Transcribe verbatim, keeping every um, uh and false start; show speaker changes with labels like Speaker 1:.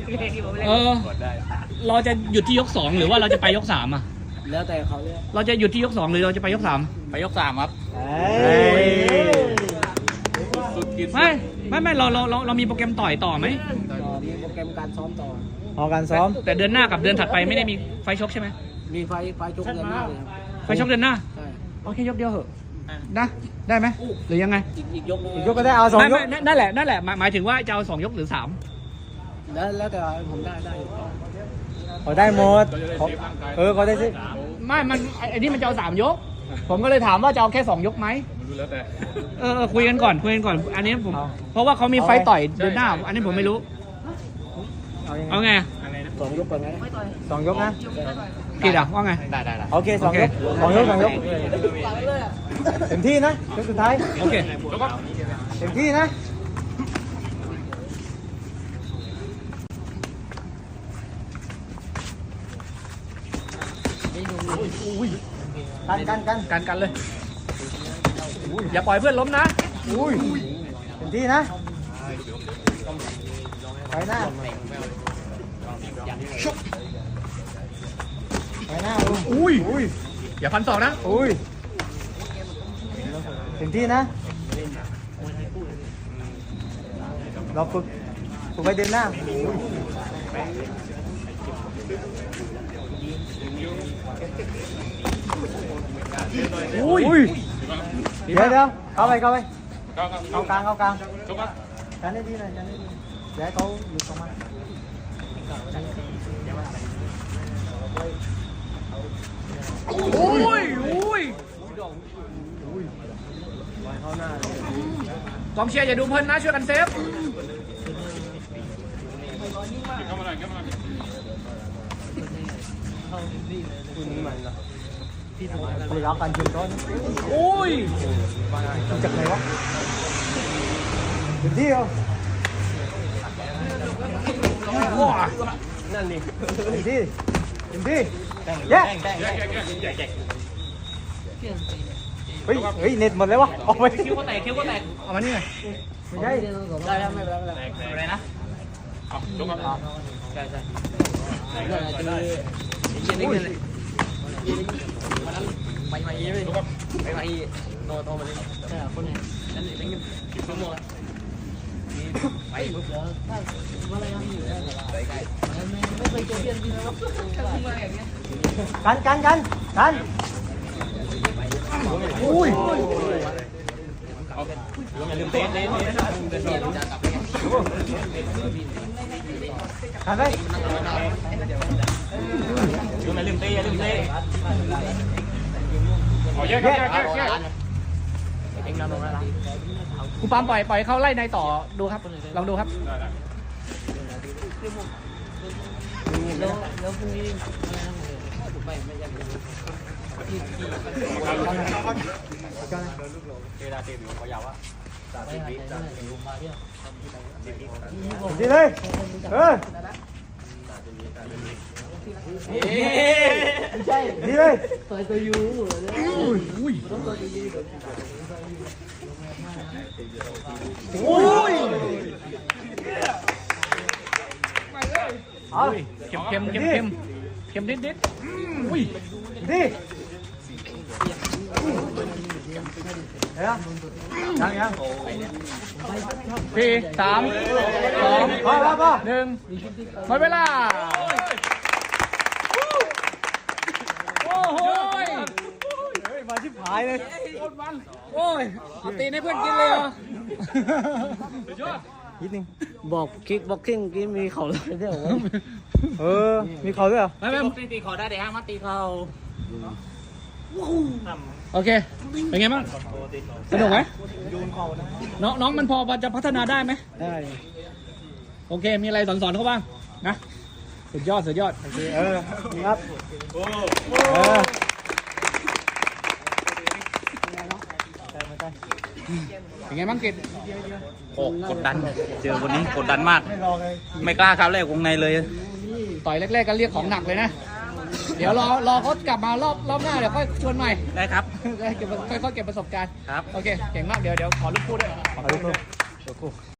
Speaker 1: เออเราจะหยุดที่ยกสองหรือว่าเราจะไปยกสามอ่ะ
Speaker 2: แล้วแต่เขาเลย
Speaker 1: เราจะหยุดที่ยกสองหรือเราจะไปยกสาม
Speaker 3: ไปยกสามครับ
Speaker 1: ไม่ไม่ไม่เราเราเราเรามีโปรแกรมต่อยต่อไหม
Speaker 2: มีโปรแกรมการซ้อมต่อ
Speaker 4: พอการซ้อม
Speaker 1: แต่เดือนหน้ากับเดือนถัดไปไม่ได้มีไฟชกใช่ไหม
Speaker 2: มีไฟไฟชกเดือนหน้าเลย
Speaker 1: ไฟชกเดือนหน้า
Speaker 2: ใช่
Speaker 1: โอเคยกเดียวเหอะนะได้ไหมหรือยังไง
Speaker 2: อีกยก
Speaker 4: อีกยกก็ได้เอาสองยก
Speaker 1: นั่นแหละนั่นแหละหมายถึงว่าจะเอาสองยกหรือสาม
Speaker 2: แล้วแล้วแต่ผมได้ได้
Speaker 4: เขาได้หมดเออเขาได้สิ
Speaker 1: ไม่มันไอ้นี่มันจะเอาสามยกผมก็เลยถามว่าจะเอาแค่สองยกไหมเออคุยกันก่อนคุยกันก่อนอันนี้ผมเพราะว่าเขามีไฟต่อยเดือนหน้าอันนี้ผมไม่รู้เอาไง
Speaker 2: สองยกก่อนไง
Speaker 4: สองยกนะ
Speaker 1: ผิดอ่ะว่าไง
Speaker 3: ได้ได้ได้
Speaker 4: โอเคสองยกสองยกสองยกเต็มที่นะยกสุดท้าย
Speaker 1: โอเค
Speaker 4: เต็มที่นะกันกันกัน
Speaker 1: กันกันเลยอย่าปล่อยเพื่อนล้มนะ
Speaker 4: อุ้ยเต็มที่นะไปหน้าไปหน้า
Speaker 1: อุ้ย
Speaker 4: อุ้ย
Speaker 1: อย่าพันสองนะ
Speaker 4: อุ้ยเต็มที่นะเราฝึกฝึกไปเดินหน้า
Speaker 1: อุ้ย
Speaker 4: เดี๋ยวเดี๋ยวเข้าไปเข้าไปเข้ากลางเข้ากลางกันได้ดีหน่อยกันได้ดีเดี๋ยวเขาหยุดตรงมา
Speaker 1: อุ้ยอุ้ยกองเชียร์อย่าดูเพลินนะช่วยกันเซฟ
Speaker 4: ไปรับการจุดต้น
Speaker 1: โอ้ย
Speaker 4: จากไหนวะเต็มที่เหรอ
Speaker 1: ว้า
Speaker 4: นั่นนี่เต็มที่เต็มที่เย้เฮ้ยเฮ้ยเน็ตหมดเลยวะออกไป
Speaker 1: คิ้วก็แตกคิ้วก็แตกเอามานี่ไง
Speaker 4: ไม่ใช่
Speaker 2: ได้แล้วไม่เป็นไรไม่เป็นไร
Speaker 1: อะไรนะ
Speaker 3: เอายกครับ
Speaker 2: ใช่ใช่ได้ได้เย็นนิดนึงวันนั้นไปมาอีเลยไปมาอีโนโตมาเลยใช่คนนี้นั่นเป็นเงินสิบชั่วโมงไปปุ๊บแล้วถ้าว่าอะไรยังอยู่ไปไกลไม่เคยเจอเพื่อนที่แล้ว
Speaker 4: กันกันกันกันอุ้ย
Speaker 3: ลืมเตะเตะ
Speaker 4: กันไป
Speaker 3: ลืมลืมเตะลืมเตะ
Speaker 1: อ๋อแยกแยกแยกแยกครูปามปล่อยปล่อยเขาไล่ในต่อดูครับลองดูครับ
Speaker 2: แล้วแล้วพรุ่งนี้ไปไม่ยัง
Speaker 4: ดีเลยเออ
Speaker 2: ไม่ใช่
Speaker 4: ดีเลย
Speaker 2: ต่อยตัวยู
Speaker 1: อุ้ยอุ้ย
Speaker 4: เอา
Speaker 1: เค็มเค็มเค็มเค็มเค็มนิดนิดอุ้ย
Speaker 4: ดีเฮ้ยยังยัง
Speaker 1: สี่สามสอง
Speaker 4: พอพอพอ
Speaker 1: หนึ่งหมดเวลาโอ้โห
Speaker 4: มาชิบหายเลย
Speaker 1: โอ้ยเอาตีนให้เพื่อนกินเลยเหรอ
Speaker 4: นิดนึง
Speaker 2: บอกคิกบ็อกซิ่งกินมีเขาเลยได้หรอ
Speaker 4: เออมีเขาด้วยเหรอ
Speaker 1: ไม่ไม่
Speaker 3: ตีเขาได้เดี๋ยวห้ามมาตีเขา
Speaker 1: โอเคเป็นไงบ้างสนุกไหมน้องน้องมันพอจะพัฒนาได้ไหม
Speaker 4: ได้
Speaker 1: โอเคมีอะไรสอนสอนเขาบ้างนะสุดยอดสุดยอด
Speaker 4: เออครับเออ
Speaker 1: เป็นไงบ้างกิจ
Speaker 3: โอ้กดดันเจอวันนี้กดดันมากไม่กล้าครับแรกวงในเลย
Speaker 1: ต่อยแรกๆก็เรียกของหนักเลยนะเดี๋ยวรอรอเขากลับมารอบรอบหน้าเดี๋ยวค่อยชวนใหม่
Speaker 3: ได้ครับ
Speaker 1: ได้เก็บค่อยๆเก็บประสบการณ์
Speaker 3: ครับ
Speaker 1: โอเคเก่งมากเดี๋ยวเดี๋ยวขอลูกคู่ด้วย
Speaker 4: ขอลูกคู่